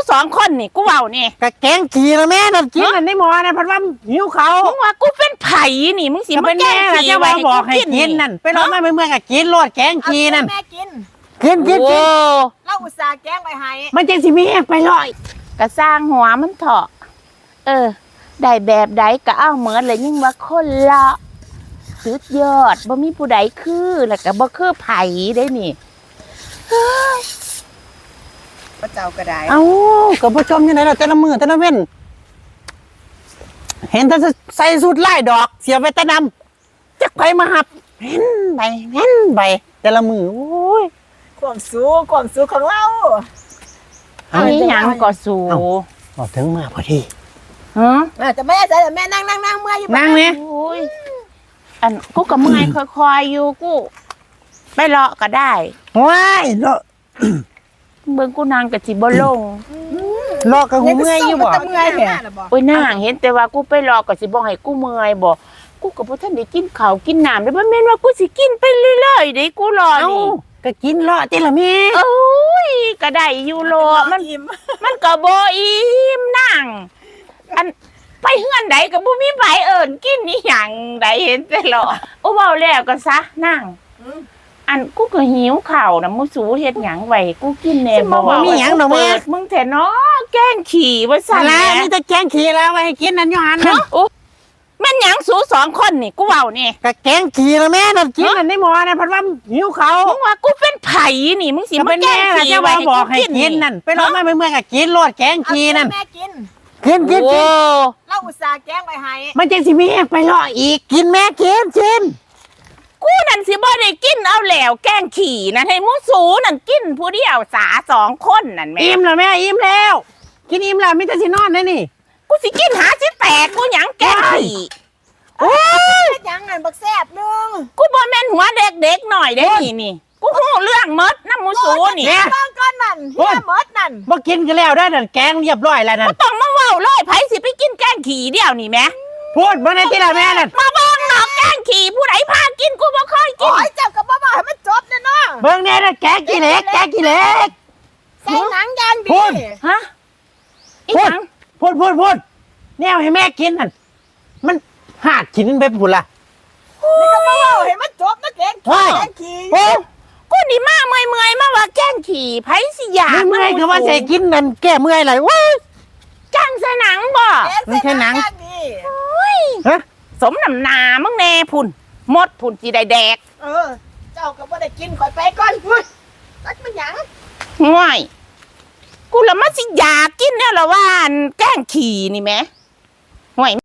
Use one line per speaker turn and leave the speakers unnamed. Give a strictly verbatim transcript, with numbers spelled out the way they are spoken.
สองคนนี่กูเว้านี่
กะแกงขี่ละแม่นั่นกินอันในหม้อนะพัดว่าหิวเขา
มึงว่ากูเป็นไผ่นี่มึงสิมาแกงขี่
จะ
ไว้
มาบอกให้กินนั่นไปรอแม่เมื่อๆกะกินรอดแกงขี่นั่น
แม่กิน
กินกินกิน
เราอุตส่าห์แกงไปให้
มันจะสิมีแหกไปลอย
กะสร้างหัวมันเถาะเออได้แบบใดก็เอาเหมือนเลยยิ่งว่าคนละสุดยอดบ่มีผู้ใดคือแล้วก็บ่คือไผ่ได้นี่
พระเจ้ากระได
เอ้ากับผู้ชมยังไงเราแต่ละมือแต่ละเว้นเห็นถ้าใส่สูตรไล่ดอกเสียไปแต่นำจะไปมาหับเห็นไปเห็นไปแต่ละมือโอ้ย
ความสูงความสูงของเรา
อันนี้ยังก็สู
พอถึงมาพอดี
ฮะ
จะแม่ใส่แต่แม่นั่งนั่งนั่งเมื่อยอยู่
นั่งเนี่ย
อันกูกับเมื่อยค่อยๆอยู่กูไปเลาะก็ได้
ว้ายเลาะ
เบิ่งกูนางกับจิบลง
เลาะกับหูเมื่อยอยู่บ่
เมื่อยเหรอ
โอ้ยนางเห็นแต่ว่ากูไปเลาะกับจิบ่ให้กูเมื่อยบ่กูกับพ่ท่านได้กินข้าวกินน้ำได้บ่แม่นว่ากูสิกินไปเรื่อยๆได้กูรอนี่
ก็กินเลาะติละแม่
โอ้ยก็ได้อยู่โลมันมันก็บ่อิ่มนางอันไปเฮือนใดก็บ่มีไผเอิ้นกินอีหยังใดเห็นแต่เลาะโอ้เว้าแล้วก็ซะนางอันกูก็หิวข้าวนะมูสูเฮ็ดหยังไว้กูกินแน่บ่
บ่มีหยังดอกแม่
มึงแท้เนาะแกงขี่ว่าซั่นแหละ
มีแต่แกงขี่แล้วไว้ให้กินนั่นอยู่หั่นน่ะ
โอ้แม่นหยังสูสองคนนี่กูเว้านี่
กะแกงขี่ละแม่นั่นกินอันในหม้อนะพัดว่าหิวเขา
มึงว่ากูเป็นไผ่นี่มึงสิมาแกงขี่
ไว้บอกให้กินนั่นไปรอแม่เมื่อๆกะกินรอดแกงขี่นั่น
แม่กิน
กินกินกิน
เราอุตส่าห์แกงไปให้
มันจะสิมีแหกไปรออีกกินแม่กินกิน
กูนั่นสิบ่ได้กินเอาแล้วแกงขี่นั่นให้มูสูนั่นกินผู้เดียวสาสองคนนั่นแม่
อิ่มแล้วแม่อิ่มแล้วกินอิ่มแล้วมิจะสินอนได้นี่
กูสิกินหาสิแตกกูหยังแกงขี่
โอ้ยยังไงบักแซ่บนึง
กูบ่แม่นหัวเด็กๆหน่อยได้นี่นี่กูฮู้เรื่องมดน้ำมูสูนี่
เนี่ยก้อนก้อนนั่นเฮียมดนั่น
บ่กินกันแล้วได้นั่นแกงเรียบร้อยแล้วนั่น
ต้องมาเว้าเลยไผสิไปกินแกงขี่เดียวนี่แม่
พูดบ่ได้ติละแม่นั่น
มาเบิ่งเนาะแกงขี่ผู้ใดพากินกูบ่เคยกิน
โอ้ยเจ็บกับบ่บ่ให้มันจบแน่เนาะ
เบิ่งแน่นะแกงกี่เล็กแกงกี่เล็ก
ใส่หนังยางดี
ฮะอีหยัง
พูดพูดพูดแนวให้แม่กินนั่นมันหาดกินไปพุ่นล่ะ
นี่ก็บ่บ่ให้มันจบนะแกงขี่แกงขี่
โอ้กูนี่มาเมื่อยๆมาว่าแกงขี่ไผสิอยาก
เมื่อยก็ว่าใส่กินนั่นแก้เมื่อยไหลว้า
จังใส่หนังบ่
ไม่ใช่หนัง
ฮะสมน้ำนามึงแน่พุ่นหมดพุ่นสิได้แดก
เออเจ้าก็บ่ได้กินข่อยไปก่อนพุ่นตักมันหยัง
ห่วยกูละมาสิอยากกินแล้วละว่าแกงขี่นี่แม่ห่วย